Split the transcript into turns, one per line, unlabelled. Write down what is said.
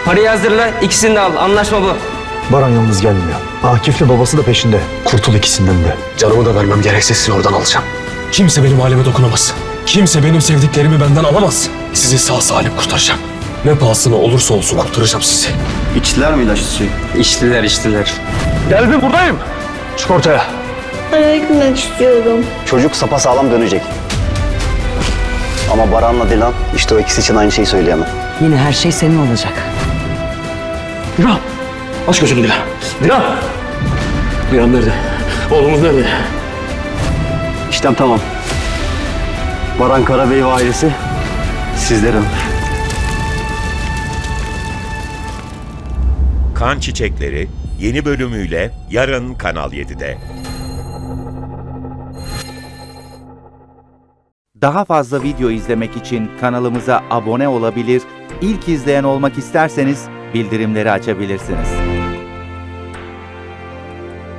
Parayı hazırla, ikisini de al. Anlaşma bu.
Baran yalnız gelmiyor. Akif'le babası da peşinde. Kurtul ikisinden de.
Canımı da vermem gerekse sizi oradan alacağım.
Kimse benim halime dokunamaz. Kimse benim sevdiklerimi benden alamaz. Sizi sağ salim kurtaracağım. Ne pahasına olursa olsun kurtaracağım sizi.
İçtiler mi ilaçlı suyu?
İçtiler.
Geldim, buradayım. Çık ortaya.
Eve gitmek istiyorum.
Çocuk sapasağlam dönecek. Ama Baran'la Dilan işte o ikisi için aynı şeyi söyleyemem.
Yine her şey senin olacak.
Dilan! Aç gözünü Dilan. Dilan! Dilan nerede? Oğlumuz nerede?
İşlem tamam. Baran Karabey ve ailesi sizlerin.
Kan Çiçekleri yeni bölümüyle yarın Kanal 7'de.
Daha fazla video izlemek için kanalımıza abone olabilir, ilk izleyen olmak isterseniz bildirimleri açabilirsiniz.